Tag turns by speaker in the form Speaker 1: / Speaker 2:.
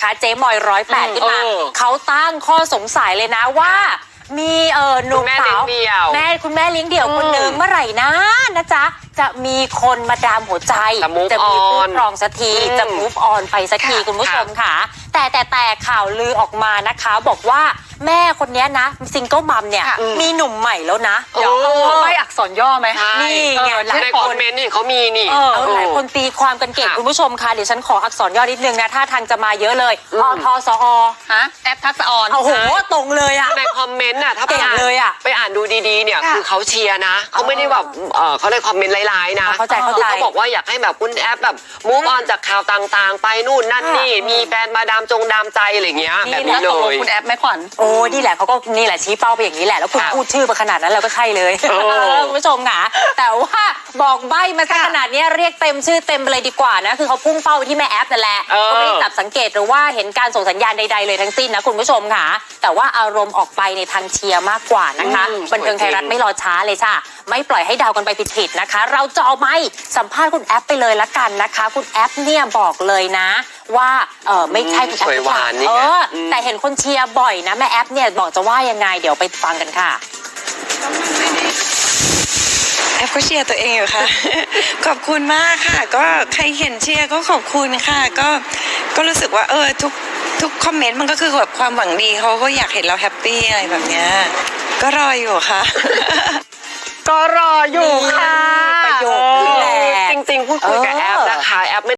Speaker 1: นะคะเจ๊มอย108ขึ้นมาเขาตั้งข้อสงสัยเลยนะว่ามีหนุ่มสาวคุณแม่เลี้ยงเดี่ยวคนนึงเมื่อไหร่นะจ๊ะจะมีคนมาดามหัวใจจะมีคู่ครองสักทีจะ move on ไปสักทีคุณผู้ชมค่ะแต่ข่าวลือออกมานะคะบอกว่าแม่คนนี้นะซิงเกิลมัมเนี่ยมีหนุ่มใหม่แล้วนะ
Speaker 2: เดี๋ยวเขาไม่อักษรย่อไหม
Speaker 1: นี่ไง
Speaker 3: ในคอมเมนต์นี่เขามีนี่
Speaker 1: หลายคนตีความกันเก่งคุณผู้ชมค่ะเดี๋ยวฉันขออักษรย่อนิดนึงนะถ้าทางจะมาเยอะเลยทสอ
Speaker 2: แอปทักษะออน
Speaker 1: โอ้โหตรงเลยอะ
Speaker 3: ในคอมเมนต์น่ะถ้าไปอ่านดูดีๆเนี่ยคือเขาเชียร์นะเขาไม่ได้แบบเขาเลยคอมเมนต์ร้ายๆนะ
Speaker 1: เข้าใจ
Speaker 3: เขาบอกว่าอยากให้แบบคุณแอปแบบมูฟออนจากข่าวต่างๆไปนู่นนั่นนี่มีแฟนมาดามใจอะไรเงี้ยแบบนี้เลย
Speaker 2: คุณแอปไม่ขวัญ
Speaker 1: โอ้นี่แหละเขาก็นี่แหละชี้เป้าไปอย่างนี้แหละแล้วคุณพูดชื่อมาขนาดนั้นเราก็ใช่เลยคุณผู้ชมค่ะแต่ว่าบอกใบ้มาซะขนาดนี้เรียกเต็มชื่อเต็มไปเลยดีกว่านะคือเขาพุ่งเป้าไปที่แม่แอปนั่นแหละก็ไม่ได้จับสังเกตหรือว่าเห็นการส่งสัญญาณใดๆเลยทั้งสิ้นนะคุณผู้ชมค่ะแต่ว่าอารมณ์ออกไปในทางเชียร์มากกว่านะคะบันเทิงไทยรัฐไม่รอช้าเลยจ้ะไม่ปล่อยให้เดากันไปผิดๆนะคะเราจะเอาไม้สัมภาษณ์คุณแอปไปเลยละกันนะคะคุณแอปเนี่ยบอกเลยนะว่าไม่ใช่คุณแอปแต่เห็นคนเชียร์บ่อยนะแม่แอปเนี่ยบอกจะว่ายังไงเดี๋ยวไปฟังกันค่ะ
Speaker 4: แอปก็เชียร์ตัวเองอยู่ค่ะ ขอบคุณมากค่ะก็ใครเห็นเชียร์ก็ขอบคุณค่ะก็รู้สึกว่าทุกคอมเมนต์มันก็คือแบบความหวังดีเขาก็อยากเห็นเราแฮปปี้อะไรแบบเนี้ยก็รออยู่ค่ะ
Speaker 3: ก็รออยู่ค่ะ
Speaker 1: ประโยคนี้แหละ
Speaker 3: จริงๆพูดคุยกับแอปนะคะแอป